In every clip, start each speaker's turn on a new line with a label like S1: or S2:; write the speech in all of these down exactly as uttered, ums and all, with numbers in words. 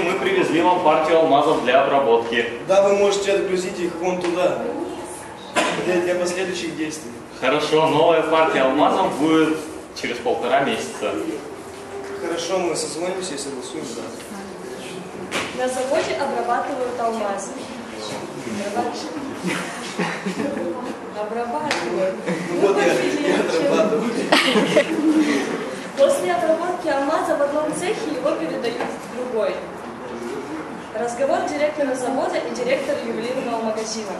S1: Здравствуйте, мы привезли вам партию алмазов для обработки.
S2: Да, вы можете отгрузить их вон туда, для, для последующих действий.
S1: Хорошо, новая партия алмазов будет через полтора месяца.
S2: Хорошо, мы созвонимся и согласуем, да.
S3: На заводе обрабатывают алмазы. Обрабатывают.
S2: Вот я, я отрабатываю.
S3: После обработки алмаза в одном цехе его передают в другой. Разговор директора завода и директора ювелирного магазина.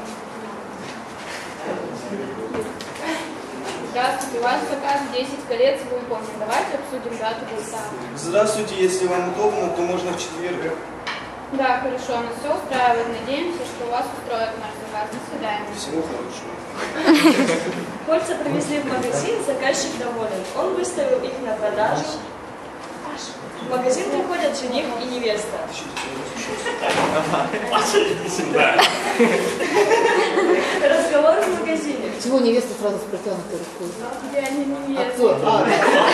S4: Здравствуйте, у вас заказ десять колец в выполнен. Давайте обсудим дату конца.
S2: Здравствуйте, если вам удобно, то можно в четверг.
S4: Да, хорошо, нас все устраивает. Надеемся, что вас устроит наш заказ. До свидания.
S2: Всего хорошего.
S3: Кольца привезли в магазин, заказчик доволен. Он выставил их на продажу. В магазин приходят жених и невеста. Разговор в магазине.
S5: Чего невеста сразу с протянутой рукой?
S4: Я не невеста.
S5: А кто? А,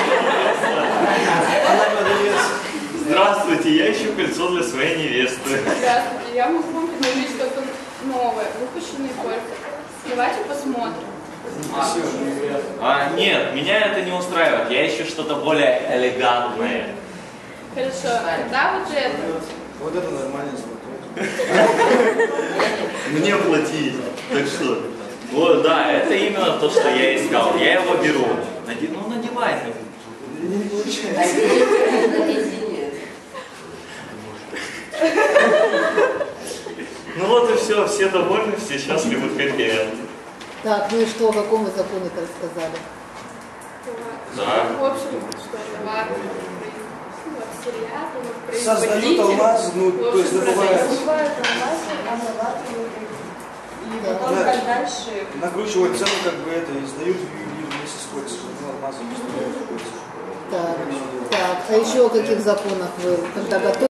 S2: Она продавец.
S1: Здравствуйте, я ищу кольцо для своей невесты.
S4: Здравствуйте, я могу вам предложить что-то новое, выпущенные кольца. Давайте посмотрим.
S2: Спасибо.
S1: А, нет, меня это не устраивает. Я ищу что-то более элегантное.
S4: Хорошо, тогда вот это.
S2: Вот это нормально смотрит.
S1: Мне платить. Так что? Вот, да, это именно то, что я искал. Я его беру. Наде... Ну, надевай.
S2: Не получается.
S1: Ну вот и все, все довольны, все счастливы, хэппи-энд.
S5: так, ну и что, о каком вы законе-то рассказали?
S1: Да.
S4: В общем, что товар вот,
S2: Создают алмаз, ну, то есть добывают.
S3: Добывают алмазы, обрабатывают их. И потом
S2: Да.
S3: как дальше.
S2: Накручивают цену, как бы это, и сдают вместе с кольцами. Ну, алмазы поставляют в кольца.
S5: Так, так, а еще о каких законах вы, когда готовы?